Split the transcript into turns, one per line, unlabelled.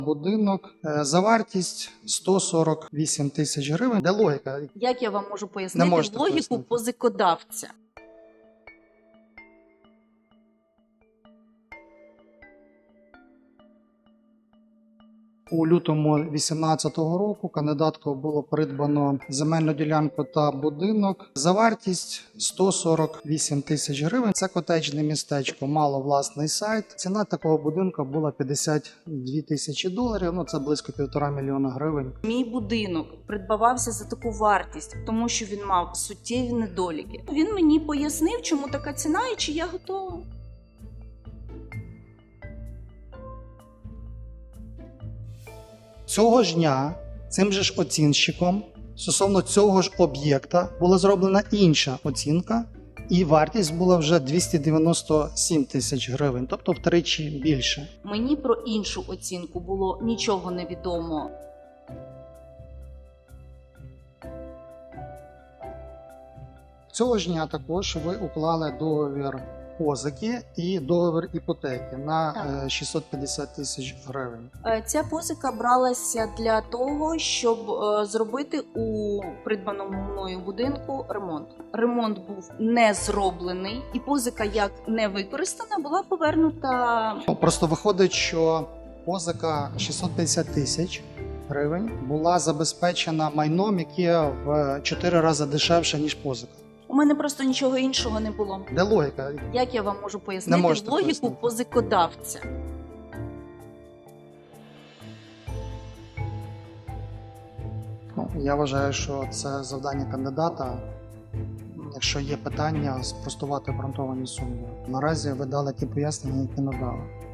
Будинок за вартість 148 тисяч гривень. Де логіка?
Як я вам можу
Не
пояснити
можете
логіку
пояснити.
позикодавця?
У лютому 2018 року кандидаткою було придбано земельну ділянку та будинок за вартість 148 тисяч гривень. Це котеджне містечко, мало власний сайт. Ціна такого будинку була 52 тисячі доларів, це близько 1,5 мільйона гривень.
Мій будинок придбавався за таку вартість, тому що він мав суттєві недоліки. Він мені пояснив, чому така ціна і чи я готова.
Цього ж дня цим же ж оцінщиком стосовно цього ж об'єкта була зроблена інша оцінка, і вартість була вже 297 тисяч гривень, тобто втричі більше.
Мені про іншу оцінку було нічого не відомо.
Цього ж дня також ви уклали договір позики і договір іпотеки на 650 тисяч гривень.
Ця позика бралася для того, щоб зробити у придбаному мною будинку ремонт. Ремонт був не зроблений, і позика, як не використана, була повернута.
Просто виходить, що позика 650 тисяч гривень була забезпечена майном, яке в 4 рази дешевше, ніж позика.
У мене просто нічого іншого не було.
Де логіка?
Як я вам можу
Не
пояснити
можете
логіку
пояснити.
позикодавця?
Я вважаю, що це завдання кандидата. Якщо є питання, спростувати обґрунтовані сумніви. Наразі ви дали ті пояснення, які надали.